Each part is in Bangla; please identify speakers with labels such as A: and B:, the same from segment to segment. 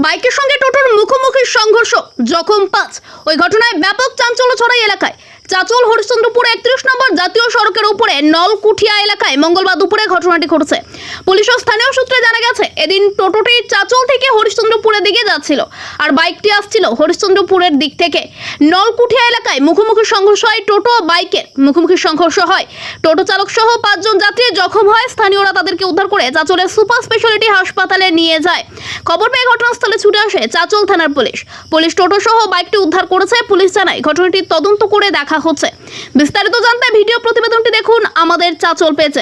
A: বাইকের সঙ্গে টোটোর মুখোমুখি সংঘর্ষ, জখম 5। ওই ঘটনায় ব্যাপক চাঞ্চল্য ছড়ায় এলাকায়। চাচল হরিশ্চন্দ্রপুর 31 নম্বর জাতীয় সড়কের উপরে নলকুঠিয়া এলাকায় মঙ্গলবার দুপুরে ঘটনাটি ঘটেছে। পুলিশ ও স্থানীয় সূত্রে জানা গেছে, এদিন টোটোটি চাচল থেকে হরিশ্চন্দ্রপুরের দিকে যাচ্ছিল আর বাইকটি আসছিল হরিশ্চন্দ্রপুরের দিক থেকে। নলকুঠিয়া এলাকায় মুখোমুখি সংঘর্ষ হয়, টোটো ও বাইকের মুখোমুখি সংঘর্ষ হয়। টোটো চালক সহ 5 জন যাত্রী জখম হয়। স্থানীয়রা তাদেরকে উদ্ধার করে চাচলের সুপার স্পেশালিটি হাসপাতালে নিয়ে যায়। খবর পেয়ে ঘটনাস্থলে ছুটে আসে চাচল থানার পুলিশ টোটো সহ বাইকটি উদ্ধার করেছে। পুলিশ জানায় ঘটনাটি তদন্ত করে দেখা হচ্ছে। বিস্তারিত জানতে ভিডিও প্রতিবেদনটি দেখুন আমাদের চাচল পেজে।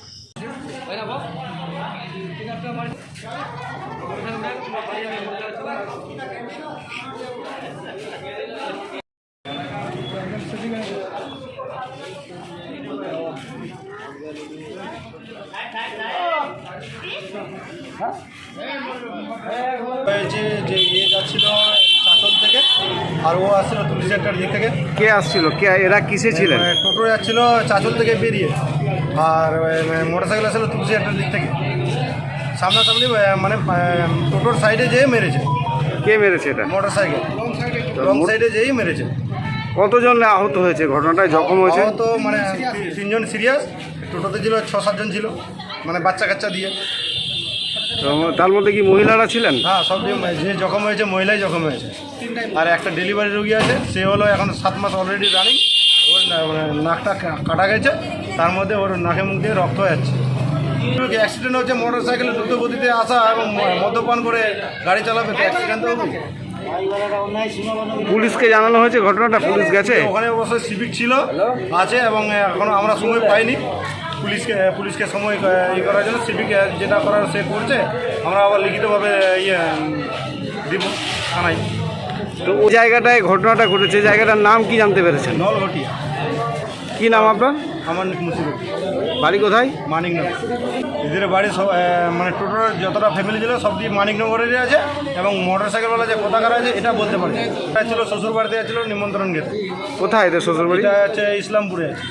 B: যে ইয়ে যাচ্ছিল চাচল থেকে আর ও আসছিল তুলসী একটার দিক থেকে।
C: কে আসছিল? কে এরা কিসে ছিলেন?
B: টোটো যাচ্ছিল চাচল থেকে বেরিয়ে, আর মোটরসাইকেল আসছিল তুলসী একটার দিক থেকে। সামনাসামনি মানে টোটোর সাইডে যেয়ে মেরেছে।
C: কে মেরেছে এটা?
B: মোটরসাইকেল রং সাইডে যেয়েই মেরেছে।
C: কতজন আহত হয়েছে? ঘটনাটায় জখম হয়েছে
B: তো মানে 3 জন সিরিয়াস, টোটোতে ছিল 6-7 জন ছিল, মানে বাচ্চা কাচ্চা দিয়ে।
C: তো তার মধ্যে কি মহিলারা ছিলেন?
B: হ্যাঁ, সব যে জখম হয়েছে মহিলাই জখম হয়েছে। আর একটা ডেলিভারি রোগী আছে, সে হলো এখন 7 মাস অলরেডি রানিং। ওর নাকটা কাটা গেছে, তার মধ্যে ওর নাকে মুখ দিয়ে রক্ত যাচ্ছে। অ্যাক্সিডেন্ট হচ্ছে, মোটর সাইকেলে দ্রুত গতিতে আসা এবং মদ্যপান করে গাড়ি চালাবে, তো অ্যাক্সিডেন্ট তো হবে।
C: পুলিশকে জানানো হয়েছে ঘটনাটা? পুলিশ গেছে?
B: ওখানে অবশ্যই সিভিক ছিল আছে, এবং এখন আমরা সময় পাইনি পুলিশকে সময় করার জন্য। সিভিক যেটা করার সে করছে, আমরা আবার লিখিতভাবে দিব থানায়।
C: তো ওই জায়গাটায় ঘটনাটা ঘটেছে, জায়গাটার নাম কি জানতে পেরেছেন?
B: নলঘটিয়া।
C: কি নাম আপনার?
B: আমার মুসিবত।
C: বাড়ি কোথায়?
B: মানিকনগর। এদের বাড়ি সব মানে টোটোর যতটা ফ্যামিলি ছিল সব দিয়ে মানিকনগরের আছে, এবং মোটর সাইকেলওয়ালা যে কোথাকার আছে এটা বলতে পারি। এটা ছিল শ্বশুর বাড়িতে ছিল নিমন্ত্রণ গেছে।
C: কোথায় এদের শ্বশুর বাড়ি?
B: এটা হচ্ছে ইসলামপুরে আছে।